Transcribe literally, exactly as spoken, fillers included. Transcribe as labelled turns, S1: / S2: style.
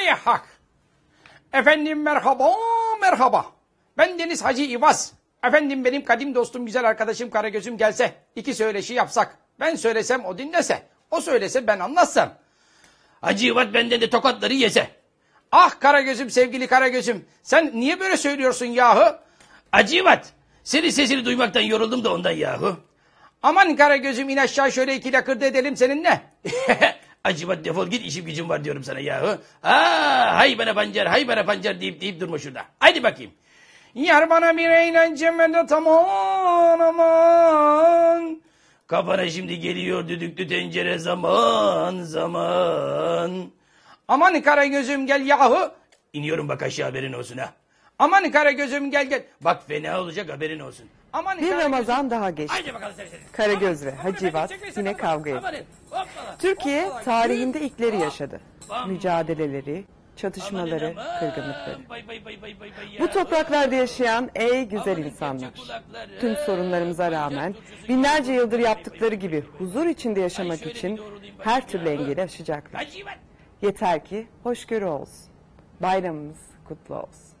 S1: Hay hak. Efendim merhaba, merhaba. Ben Deniz Hacı İvaz. Efendim benim kadim dostum, güzel arkadaşım Karagöz'üm gelse, iki söyleşi yapsak. Ben söylesem o dinlese, o söylese ben anlatsam. Hacı İvaz benden de tokatları yese. Ah Karagöz'üm, sevgili Karagöz'üm, sen niye böyle söylüyorsun yahu? Hacı İvaz, senin sesini duymaktan yoruldum da ondan yahu. Aman Karagöz'üm, in aşağı şöyle iki lakırdı edelim seninle. Acıbat defol git, işim gücüm var diyorum sana yahu. Aa, hay bana pancar, hay bana pancar deyip deyip durma şurada. Haydi bakayım. Yar bana bir eğlence medet aman aman. Kafana şimdi geliyor düdüklü tencere zaman zaman. Aman Karagöz'üm gel yahu. İniyorum bak aşağı, haberin olsun ha. Aman Karagöz'üm gel gel. Bak fena olacak, haberin olsun. Aman
S2: Bir Ramazan daha geçti. Karagöz ve Hacivat yine kavga etti. Türkiye tarihinde ilkleri yaşadı. Mücadeleleri, çatışmaları, kırgınlıkları. Bu topraklarda yaşayan ey güzel insanlar. Tüm sorunlarımıza rağmen binlerce yıldır yaptıkları gibi huzur içinde yaşamak için her türlü engeli aşacaklar. Yeter ki hoşgörü olsun. Bayramımız kutlu olsun.